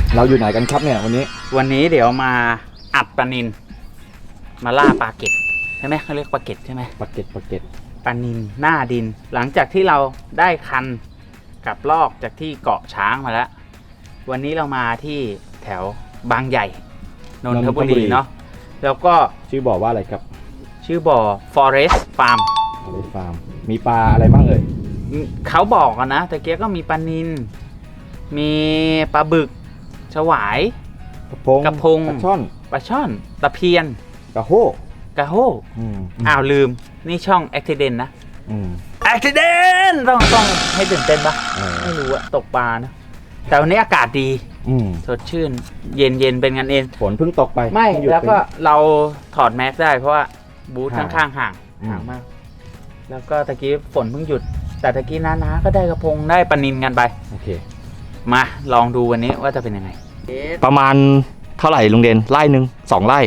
เราอยู่ไหนกันครับเนี่ยวันนี้เดี๋ยวมาอัดปลานิลมาล่าปลาเก็ดใช่ไหมเขาเรียกปลาเก็ดใช่ไหมปลาเก็ดปลานิลหน้าดิน หลังจากที่เราได้คันกับลอกจากที่เกาะช้างมาแล้ววันนี้เรามาที่แถวบางใหญ่นนทบุรีเนาะแล้วก็ชื่อบ่อว่าอะไรครับชื่อบ่อ Forest Farm มีปลาอะไรบ้างเอ่ยเขาบอกกันนะแต่เกียก็มีปลานิลมีปลาบึกฉวายกระพงปลาช่อนตะเพียนกระโฮอ้าวลืมนี่ช่อง Accident นะAccident ต้องให้ตื่นเต้นปะไม่รู้อะตกปลานะแต่วันนี้อากาศดีสดชื่นเย็นเป็นกันเองฝนเพิ่งตกไปไม่แล้วก็เราถอดแมสได้เพราะว่าบูธข้างๆห่างมากแล้วก็ตะกี้ฝนเพิ่งหยุดแต่ตะกี้น้าก็ได้กระพงได้ปลานิลกันไปโอเคมาลองดูวันนี้ว่าจะเป็นยังไงประมาณเท่าไหร่ลุงเด่นไร่หนึ่ง2 ไร่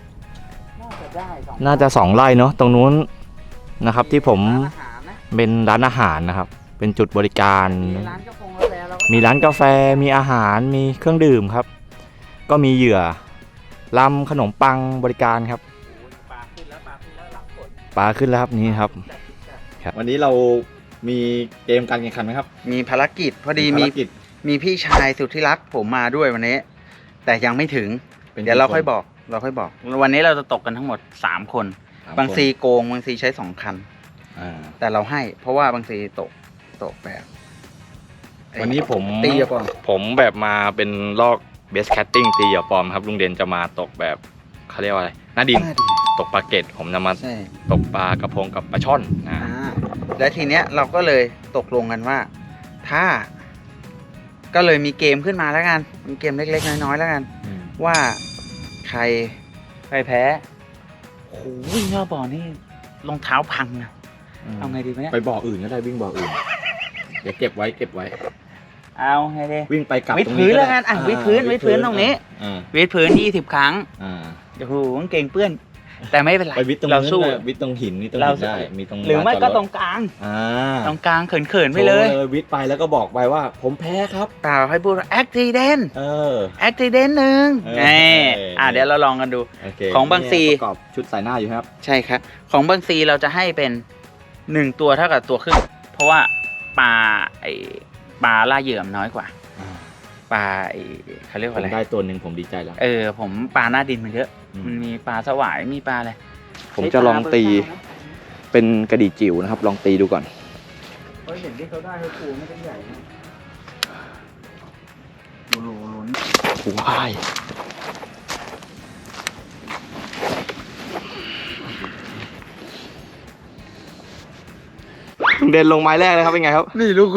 น่าจะ2 ไร่เนาะตรงนู้นนะครับที่ผมเป็นร้านอาหารนะครับเป็นจุดบริการมีร้านกาแฟมีอาหารมีเครื่องดื่มครับก็มีเหยื่อลำขนมปังบริการครับปลาขึ้นแล้วครับนี่ครับวันนี้เรามีเกมการแข่งขันไหมครับมีภารกิจพอดีมีพี่ชายสุดที่รักผมมาด้วยวันนี้แต่ยังไม่ถึงเดี๋ยวเราค่อยบอกวันนี้เราจะตกกันทั้งหมด3 คนบางซีโกงบางซีใช้2 คันแต่เราให้เพราะว่าบางซีตกแบบวันนี้ผมตีเหยื่อปลอมผมแบบมาเป็นลอกเบสแคทติ้งตีเหยื่อปลอมครับลุงเด่นจะมาตกแบบเขาเรียกว่าอะไรหน้าดินตกปลาเก็ดผมจะมาตกปลากระพงกับปลาช่อนนะและทีเนี้ยเราก็เลยตกลงกันว่าถ้าก็เลยมีเกมขึ้นมาแล้วกันมีเกมเล็กๆน้อยๆแล้วกันว่าใครแพ้โอ้โหวิ่งรอบบ่อนี่รองเท้าพังนะเอาไงดีเนี่ยไปบ่ออื่นก็ได้วิ่งบ่ออื่นเดี๋ยวเก็บไว้เอาไงดีวิ่งไปกลับวิดพื้นแล้วกันวิดพื้นตรงนี้วิดพื้น20 ครั้งโอ้โหเก่งเปื้อนแต่ไม่เป็นไรเราสู้วิดตรงหินนี่ตรงหินได้มีตรงหรือไม่ก็ตรงกลางตรงกลางเขินๆไปเลยวิดไปแล้วก็บอกไปว่าผมแพ้ครับเปล่าให้พูดว่า accident accident หนึ่งเดี๋ยวเราลองกันดูของบางซีประกอบชุดใส่หน้าอยู่ครับใช่ครับของบางซีเราจะให้เป็น1 ตัวเท่ากับตัวครึ่งเพราะว่าปลาล่าเหยื่อน้อยกว่าปลาเขาเรียกว่าอะไรได้ตัวหนึ่งผมดีใจแล้วผมปลาหน้าดินมันเยอะมันมีปลาสวายมีปลาอะไรผมจะลองตีเป็นกระดี่จิ๋วนะครับลองตีดูก่อนเห็นที่เขาได้เขาปูไม่ได้ใหญ่นะลุ้นว้ายเดินลงไม้แรกเลยครับเป็นไงครับนี่ลูก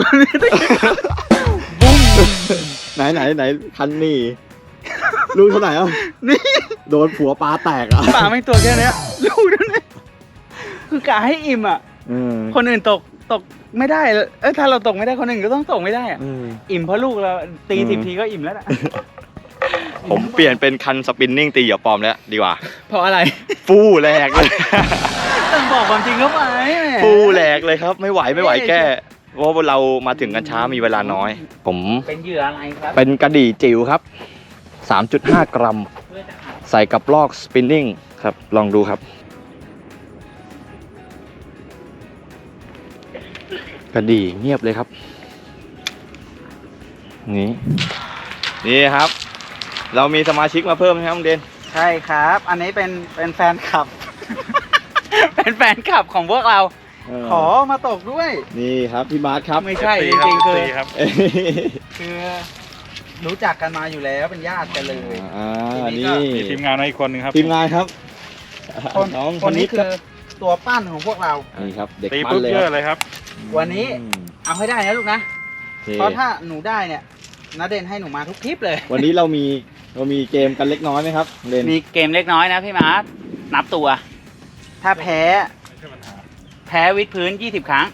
ไหนคันนี่ลูกเท่าไหร่อ่ะนี่โดนผัวปลาแตกอ่ะปลาไม่ตัวแค่นี้ลูกนั่นนี่คือกะให้อิ่มอ่ะคนอื่นตกไม่ได้ถ้าเราตกไม่ได้คนอื่นก็ต้องตกไม่ได้อ่ะอิ่มเพราะลูกเราตี10 ทีก็อิ่มแล้วอ่ะผมเปลี่ยนเป็นคันสปินนิ่งตีเหยื่อปลอมแล้วดีกว่าเพราะอะไรฟู่แหลกเลยต้องบอกความจริงเข้าไปฟู่แหลกเลยครับไม่ไหวแก้เพราะว่าเรามาถึงกันช้ามีเวลาน้อยผมเป็นเหยื่ออะไรครับเป็นกระดี่จิ๋วครับ 3.5 กรัมใส่กับลอกสปินนิ่งครับลองดูครับกระดี่เงียบเลยครับนี่ครับเรามีสมาชิกมาเพิ่มนะครับลุงเด่นใช่ครับอันนี้เป็นแฟนคลับ เป็นแฟนคลับของพวกเราขอมาตกด้วยนี่ครับพี่บาสครับไม่ใช่จริงๆคือรู้จักกันมาอยู่แล้วเป็นญาติกันเลยนี่มีทีมงานอีกคนนึงครับทีมงานครับคนนี้คือตัวปั้นของพวกเรานี่ครับเด็กปั้นเลยครับวันนี้เอาให้ได้นะลูกนะเพราะถ้าหนูได้เนี่ยณเด่นให้หนูมาทุกทริปเลยวันนี้เรามีเกมกันเล็กน้อยไหมครับมีเกมเล็กน้อยนะพี่มาร์ทนับตัวถ้าแพ้วิดพื้น20 ครั้ง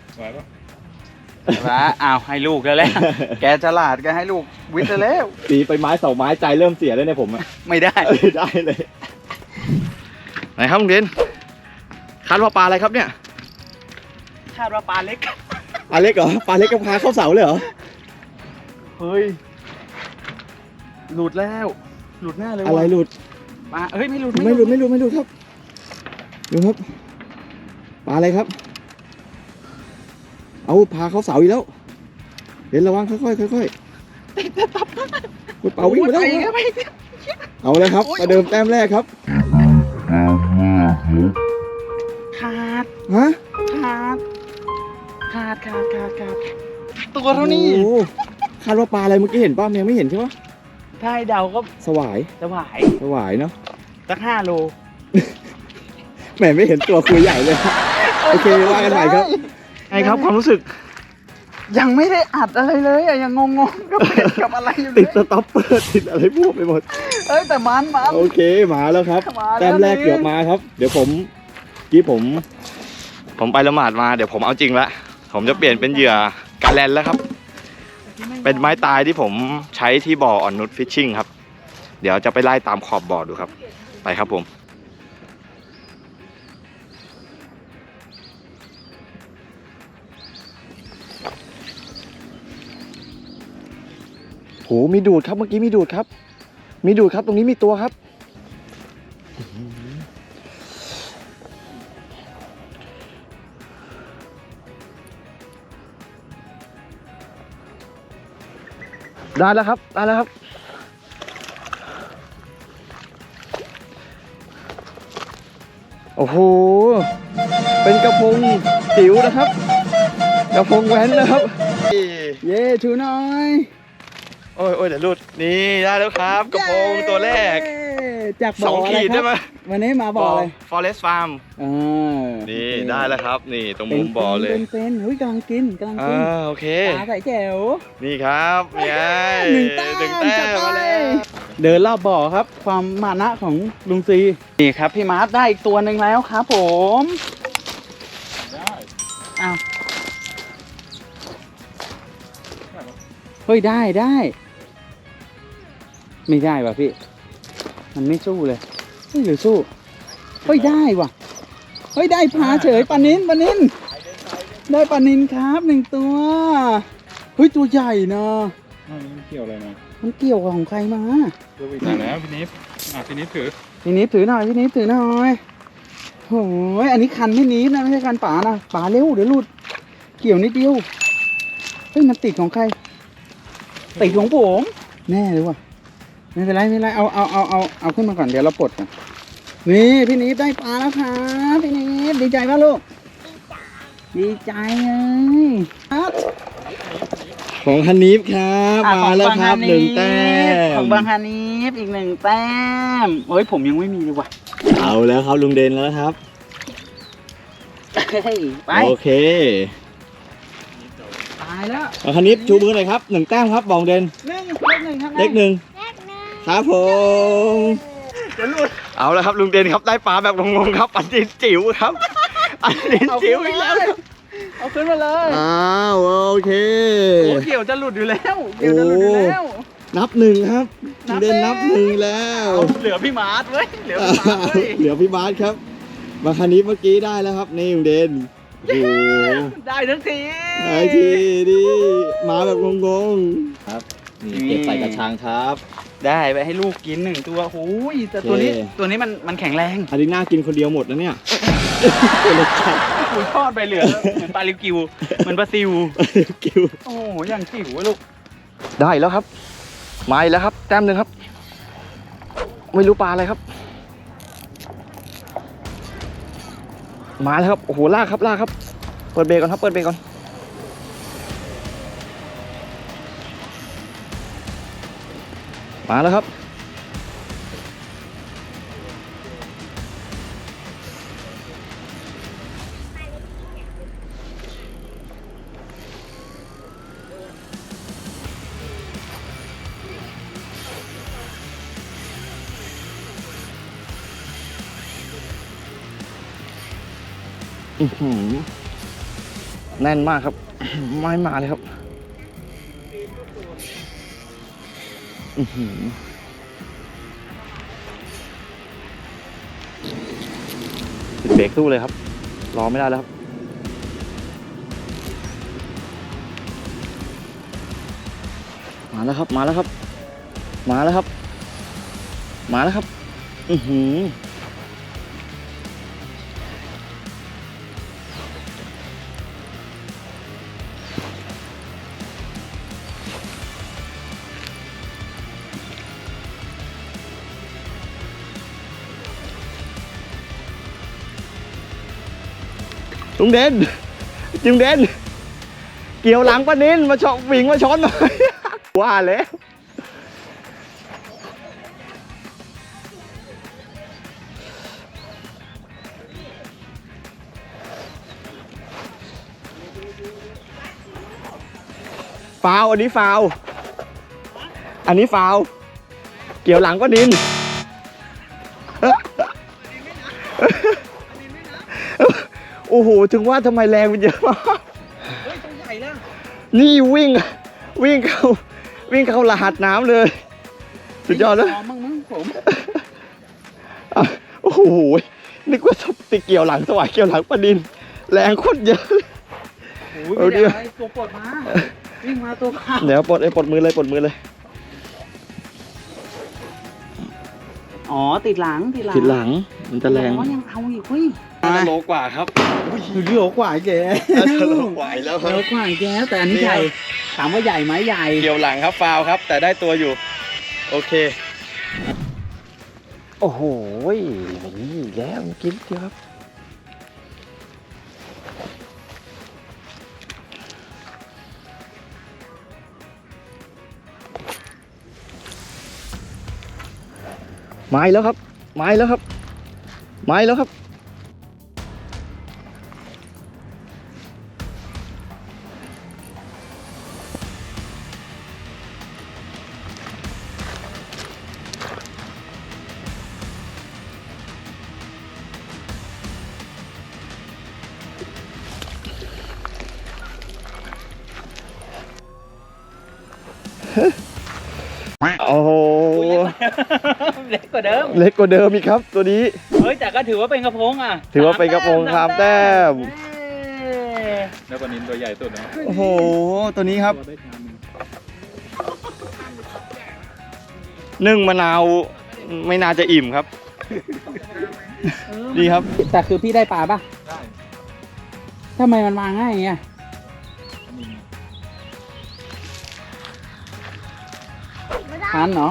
เอาให้ลูกแล้วแหละแกฉลาดก็ให้ลูกวิดแล้วตีไปไม้2 ไม้ใจเริ่มเสียแล้วเนี่ยผมไม่ได้เลยไหนครับลุงเด่นคาดว่าปลาอะไรครับเนี่ยคาดว่าปลาเล็กเหรอปลาเล็กกับพาเข้าเสาเลยเหรอเฮ้ยหลุดแล้วหลุดแน่เลยอะไรหลุดปลาเฮ้ยไม่หลุดไม่หลุดครับดูครับปลาอะไรครับเอาพาเขาเสาอีกแล้วเดี๋ยวระวังค่อยๆเป่าวิ่งไปแล้ว เอาเลยครับประเดิมแต้มแรกครับขาดฮะขาดตัวเท่านี้โอ้โหคาดว่าปลาอะไรเมื่อกี้เห็นป่ะยังไม่เห็นใช่ปะถ้าให้เดาก็สวายจะหวายสวายเนาะสัก5 โลแหมไม่เห็นตัวคุยใหญ่เลยโอเคว่ากันใหม่ครับไงครับความรู้สึกยังไม่ได้อัดอะไรเลยอะยังงงๆกับเบ็ดกับอะไรอยู่เลติดยสต็อปเปอร์ติดอะไรพวกไปหมดเอ้ยแต่มันโอเคมาแล้วครับมาแล้วแต้มแรกเกือบมาครับ เดี๋ยวผมผมไปละหมาดมาเดี๋ยวผมเอาจริงละผมจะเปลี่ยนเป็นเหยื่อการแลนแล้วครับ เป็นไม้ตายที่ผมใช้ที่บ่ออ่อนนุชฟิชชิ่งครับ เดี๋ยวจะไปไล่ตามขอบบ่อดูครับ ไปครับผมโหมีดูดครับเมื่อกี้มีดูดครับ มีดูดครับตรงนี้มีตัวครับได้แล้วครับโอ้โหเป็นกระพงจิ๋วนะครับกระพงแว้นนะครับเย้ชูหน่อยโอ้ยเดี๋ยวหลุดนี่ได้แล้วครับกระพงตัวแรกจากบ่อ 2 ขีดได้ไหมวันนี้มาบ่อเลย Forest Farm นี่ได้แล้วครับ นี่ตรงมุมบ่อเลยเป็นเฮ้ยกำลังกินโอเคปลาใส่แจ๋วนี่ครับนี่ไงหนึ่งแต้มมาแล้วเดินรอบบ่อครับ ความมานะของลุงซีนี่ครับพี่มาร์ทได้อีกตัวหนึ่งแล้วครับผมอ้าวเฮ้ยได้ไม่ได้ว่ะพี่มันไม่สู้เลยเฮ้ยหรือสู้เฮ้ยได้ว่ะเฮ้ยได้ปลาเฉยปลานินได้ปลานินครับ1 ตัวเฮ้ยตัวใหญ่นะมันเกี่ยวอะไรมามันเกี่ยวกับของใครมามาแล้วพี่นิฟพี่นิฟถือพี่นิดถือหน่อยโอ้ยอันนี้คันพี่นิดนะไม่ใช่คันป๋านะป๋าเร็วเดี๋ยวหลุดเกี่ยวนิดเดียวเฮ้ยมันติดของใครติดของผมแน่เลยว่ะไม่เป็นไรเอาขึ้นมาก่อนเดี๋ยวเราปลดก่อนนี่พี่นิดได้ปลาแล้วครับพี่นิดดีใจป่ะลูกดีใจเลยครับของฮันนิฟครับมาแล้วครับ1 แต้มของบางฮานีฟอีก1 แต้มเฮ้ยผมยังไม่มีเลยว่ะเอาแล้วครับลุงเดนแล้วครับเฮ้ยไปโอเคตายแล้วของฮันนิฟชูมือหน่อยครับ1 แต้มครับบองเดนเลข 1ครับเลข 1ครับผมจะหลุดเอาแล้วครับลุงเดนครับได้ปลาแบบงงๆครับอันนี้จิ๋วครับอันนี้จิ๋วอีกแล้วครับเอาขึ้นมาเลยอ้าวโอเคโอ้เกี่ยวจะหลุดอยู่แล้วเกี่ยวจะหลุดอยู่แล้วนับ 1ครับลุงเดนนับ 1แล้วเหลือพี่มาร์ทเว้ยเหลือพี่มาร์ทเว้ยเหลือพี่บาสครับบางคันนี้เมื่อกี้ได้แล้วครับนี่ลุงเดนโอ้โหได้ทั้งทีไอ้ทีดิมาแบบงงๆครับนี่เก็บใส่กระชังครับได้ไปให้ลูกกิน1 ตัวโอ้ยแต่ตัวนี้มันแข็งแรงอันนี้น่ากินคนเดียวหมดนะเนี่ยคุยทอดไปเหลือเหมือนปลาลิวกิวเหมือนปลาซิวกิวโอ้โหอย่างจิ๋วอะลูกได้แล้วครับมาอีกแล้วครับแต้ม 1ครับไม่รู้ปลาอะไรครับมาแล้วครับโอ้โหลากครับเปิดเบรกก่อนครับเปิดเบรกก่อนมาแล้วครับแน่นมากครับ ไม่มาเลยครับติดเบรกสู้เลยครับรอไม่ได้แล้วครับมาแล้วครับมาแล้วครับ มาแล้วครับ อือหือลุงเด่นลุงเด่นเกี่ยวหลังป้านินมาชนวิ่งมาชนหน่อย ว่าแล้วฟาวอันนี้ฟาวอันนี้ฟาวเกี่ยวหลังป้านิน โอ้โหถึงว่าทำไมแรงมันเยอะมากเฮ้ยตัวใหญ่แล้วนี่วิ่งเข้ารหัสน้ำเลย สุดยอดเลยมั้งผมอ่ะโอ้โหนึกว่าติเกี่ยวหลังสวายเกี่ยวหลังปลาดิน แรงโคตรเยอะเลยโอ้ยไม่ได้อะไรตัวปลดมาวิ่งมาตัวขาเดี๋ยวปลดมือเลยอ๋อติดหลังติดหลังมันจะแรงอ๋อยังเอาอีกเฮ้ยโลกว่าครับโลกว่าแกโลกว่าแล้วครับโลกว่าแกแต่อันนี้ใหญ่ถามว่าใหญ่ไหมใหญ่เกี่ยวหลังครับฟาวครับ แต่ได้ตัวอยู่ โอเค โอ้โหนี่แล้วกินเดียวครับไม้แล้วครับ ไม้แล้วครับ ไม้แล้วครับ โอ้โหเล็กกว่าเดิมเล็กกว่าเดิมอีกครับ ตัวนี้เฮ้ยแต่ก็ถือว่าเป็นกระพงอ่ะถือว่าเป็นกระพงคามแต้มแล้วปลานินตัวใหญ่สุดนะโอ้โห ตัวนี้ครับตัวได้ชามหนึ่งนึ่งมะนาวไม่น่าจะอิ่มครับ ดีครับแต่คือพี่ได้ปลาป่ะได้ทำไมมันมาง่ายอย่างเงี้ยปลานินทันเหรอ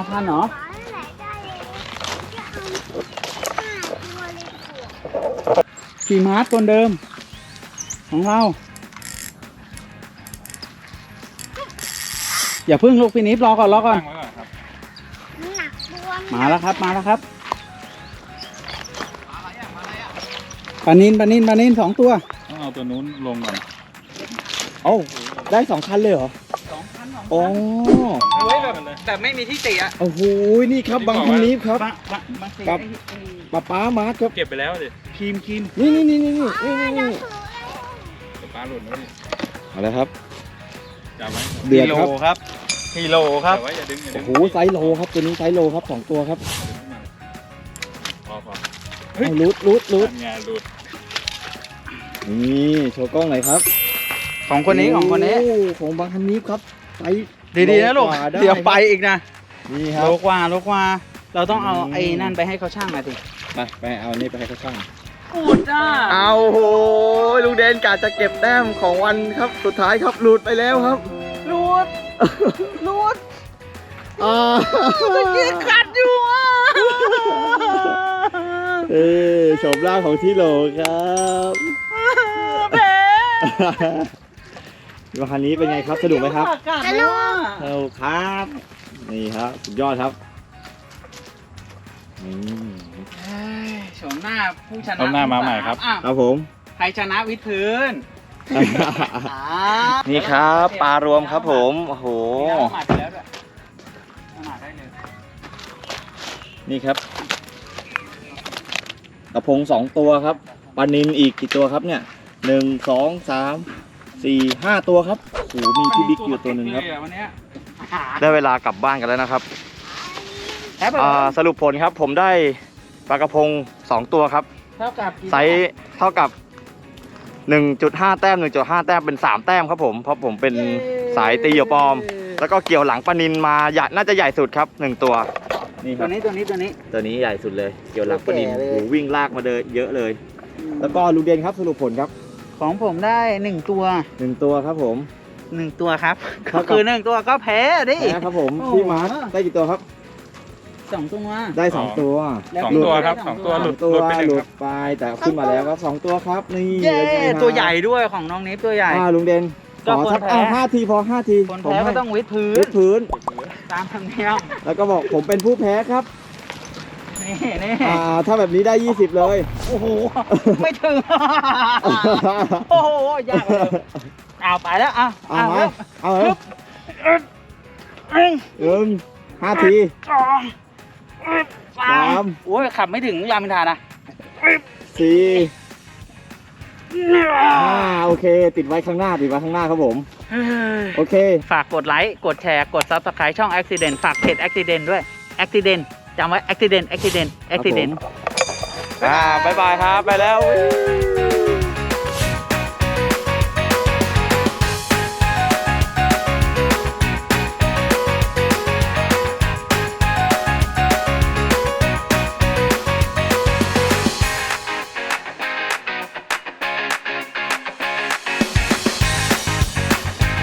ขี่ม้าตัวเดิม ของเรา อย่าพึ่งลูกพี่นิฟรอก่อนตั้งไว้ก่อนครับมาแล้วครับปลานิน2 ตัวต้องเอาตัวนู้นลงก่อนเอ้าได้2 คันเลยเหรอ 2 โอ้เฮ้ยแบบไม่มีที่ติอ่ะโอ้โห นี่ครับบางพันนี้ครับ ครับ ป้ามาร์คครับเก็บไปแล้วดิครีมนี่เดี๋ยวปลาหล่นแล้วดิเอาแล้วครับจับไว้เดือดครับกิโลครับจับไว้อย่าดึงอย่าดึโอ้งโห ไซส์โลครับ ตัวนี้ไซส์โลครับ2 ตัวครับพอเอารูดทำงานหลุดนี่โชว์กล้องหน่อยครับของคนนี้โอ้ของบางพันนี้ครับไซส์ดีๆนะลูกโว่าได้เดี๋ยวไปอีกนะนี่ครัโลบกว่าเราต้องเอาอืมไอ้นั่นไปให้เขาช่างหน่อยสิไปเอานี่ไปให้เขาช่างกูดอ่ะเอาโหลุงเดนกะจะเก็บแต้มของวันครับสุดท้ายครับหลุดไปแล้วครับรูดอ่ากัดอยู่อ่ะโฉมร่างของที่โหลครับแพ้วันคันนี้เป็นไงครับสนุกไหมครับสนุกสนุกครับ นี่ครับสุดยอดครับอืมโฉมหน้าผู้ชนะเอาหน้ามาใหม่ครับอ้าวครับผมใครชนะวิดพื้นนี่ครับปลารวมครับผมโอ้โหเอาหมาไปแล้วด้วยเอาหมาได้เลยนี่ครับกระพง2 ตัวครับปลานิลอีกกี่ตัวครับเนี่ย1 2 3 4 5 ตัวครับโอ้โหมีพี่บิ๊กอยู่ตัวหนึ่งครับวันเนี้ยได้เวลากลับบ้านกันแล้วนะครับแพ้ไปสรุปผลครับผมได้ปลากระพง2 ตัวครับเท่ากับกี่ไซส์เท่ากับ 1.5 แต้ม 1.5 แต้มเป็น3 แต้มครับผมเพราะผมเป็นสายตีเหยื่อปลอมแล้วก็เกี่ยวหลังปลานินมาใหญ่น่าจะใหญ่สุดครับ1ตัวนี่คตัรัวบนี้ตัวนี้ใหญ่สุดเลย เกี่ยวหลังปลานินตัวแก่เลยโอ้โหวิ่งลากมาเลยเยอะเลยแล้วก็ลุงเด่นครับสรุปผลครับของผมได้1ตัว 1 ตัวครับผม 1 ตัวครับเท่าก็กับคือ1ตัวก็แพ้ดินะครับผมโอ้โหพี่มาร์คได้กี่ตัวครับ 2 ตัวได้ 2 ตัวแล้วสองพี่ตัวได้ครับสสออง งตัตัว วหหลุลุดดตัวไปหลุ 1 ดไปแต่ขึ้นมาแล้วครับ2 ตัวครับนี่เย้ป็นไงครับตัวใหญ่ด้วยของน้องนิฟตัวใหญ่ลุงเด่นก็ขอคนสักแพ้ 5 ทีพอ5 ทีคนผมแพ้ให้ก็ต้องวิดพื้วินดพื้นตามธรรมเนียมแล้วก็บอกผมเป็นผู้แพ้ครับนี่ถ้าแบบนี้ได้ 20 เลยโอ้โห ไม่ถึง โอ้โห ยากเลยเอาไปแล้วเอาเอามาเอาเหรอ 5 ทีโอ้ยขับไม่ถึงรามอินทรานะ 4 5โอเค ติดไว้ข้างหน้าครับผม โอเคฝากกดไลค์ กดแชร์ กด Subscribe ช่อง Accident ฝากเพจ Accident ด้วย Accident จำไว้ Accident ครับผมบ๊ายบายครับ ไปแล้ว